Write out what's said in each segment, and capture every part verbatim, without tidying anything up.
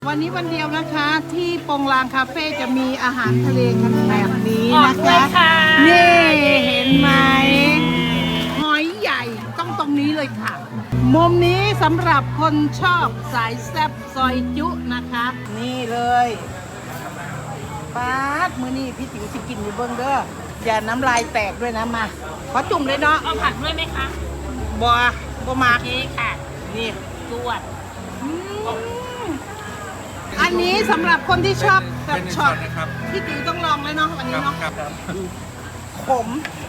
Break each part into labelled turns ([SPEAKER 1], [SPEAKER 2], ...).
[SPEAKER 1] วันนี้วันเดียวนะคะที่ปงลางคาเฟ่จะมีอาหารทะเลกันแบบนี้นะคะนี่เห็นไหมหอยใหญ่ต้องตรงนี้เลยค่ะมุมนี้สำหรับคนชอบสายแซ่บซอยจุนะคะ นี่เลยป๊าดมือนี่พี่ติ๋วสิกินอยู่เบิ้งเด้ออย่าน้ำลายแตกด้วยนะมาขอจุ่มเลยเนาะ
[SPEAKER 2] เอาผักด้วยไหมคะ
[SPEAKER 1] บัวบัวมาก
[SPEAKER 2] โอเคค่ะ
[SPEAKER 1] นี่
[SPEAKER 2] จวด
[SPEAKER 1] อันนี้สำหรับคนที่ชอบแบบ
[SPEAKER 3] เป็น
[SPEAKER 1] ช็อต
[SPEAKER 3] นะครับ
[SPEAKER 1] พี่ติ๋วต้องลองเลยเนาะวันนี้เนาะ
[SPEAKER 3] ครับ
[SPEAKER 1] ขม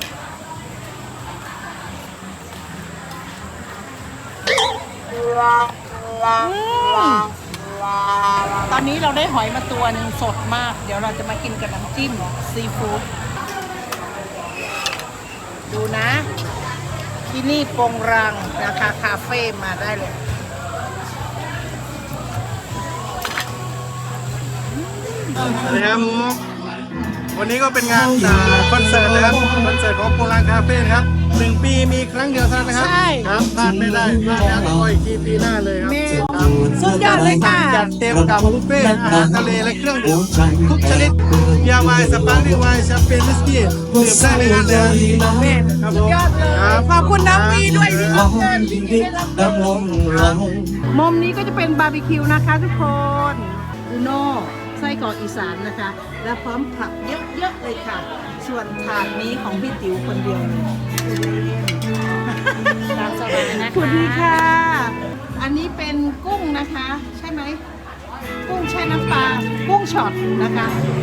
[SPEAKER 1] ตอนนี้เราได้หอยมาตัวหนึ่งสดมาก เดี๋ยวเราจะมากินกับน้ำจิ้มซีฟู้ดดูนะ ที่นี่ปงรังนะคะคาเฟ่มาได้เลย
[SPEAKER 3] สวัสดีครับ วันนี้ก็เป็นงานอ่าคอนเสิร์ตนะครับ คอนเสิร์ตของโปรางคาเฟ่นะครับหนึ่งปีมีครั้งเดียวเท่านั้นนะครับ
[SPEAKER 1] ใช่
[SPEAKER 3] ครับพลาดไม่ได้พลาดแล้วก็อีกทีปีหน้าเลยครับ
[SPEAKER 1] แม่
[SPEAKER 3] ครับ
[SPEAKER 1] สุดยอดเลยค่ะ
[SPEAKER 3] จัดเต็มกับบุฟเฟ่ต์อาหารทะเลและเครื่องดื่มทุกชนิดเบียร์ไวน์สปาร์กิ้งไวน์แชมเปญวิสกี้ดื่มได้ในงานเลยครับผม
[SPEAKER 1] ยอดเลย
[SPEAKER 3] ครับ
[SPEAKER 1] ขอบคุณน้องวีด้วยที่มาเชิญ
[SPEAKER 4] ดำลงเรา
[SPEAKER 1] มุมนี้ก็จะเป็นบาร์บีคิวนะคะทุกคนอูโน่ไส้กรอกอีสานนะคะ และพร้อมผักเยอะๆเลยค่ะ ส่วนถาดนี้ของพี่ติ๋วคนเดียวเลย
[SPEAKER 2] ตามสบายนะคะ
[SPEAKER 1] คุณดีค่ะ อันนี้เป็นกุ้งนะคะ ใช่ไหม กุ้งแช่น้ำปลา กุ้งช็อตนะคะ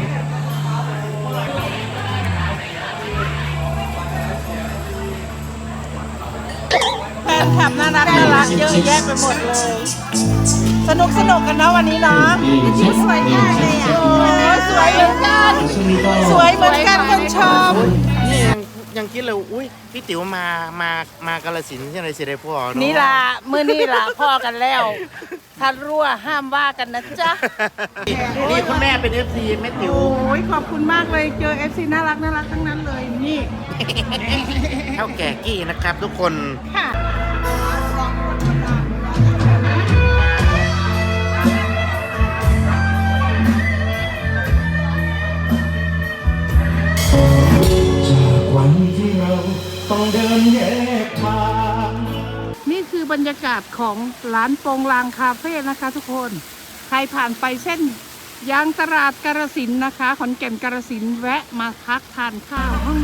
[SPEAKER 1] แฟนคลับน่ารักน่ารักเยอะแยะไปหมดเลย สนุกสนุกกันเนาะวันนี้เนาะพี่สวยมากเลยอ่ะโอ้สวยเหมือนกัน สวยเหมือนกันคนชม
[SPEAKER 5] นี่ยังยังคิดเลยอุ้ยพี่ติ๋วมา มา มากาฬสินธุ์ที่ไหนสิได้พ่อเอะ
[SPEAKER 1] นี่ล่ะมือนี่ล่ะพ่อกันแล้วถ้ารั่วห้ามว่ากันนะจ๊ะ
[SPEAKER 5] นี่คุณแม่เป็นเอฟซีแม่ติ๋ว
[SPEAKER 1] โอ้ยขอบคุณมากเลยเจอ เอฟ ซี น่ารักน่ารักทั้งนั้นเลยนี่
[SPEAKER 5] เท่าแก่กี้นะครับทุกคน
[SPEAKER 1] ค่ะ
[SPEAKER 4] วันที่เราต้องเดินแยกทาง
[SPEAKER 1] นี่คือบรรยากาศของร้านโปงลางคาเฟ่นะคะทุกคน ใครผ่านไปเส้นยางตลาดกาฬสินธุ์นะคะขอนแก่นกาฬสินธุ์แวะมาพักทานข้าวห้อง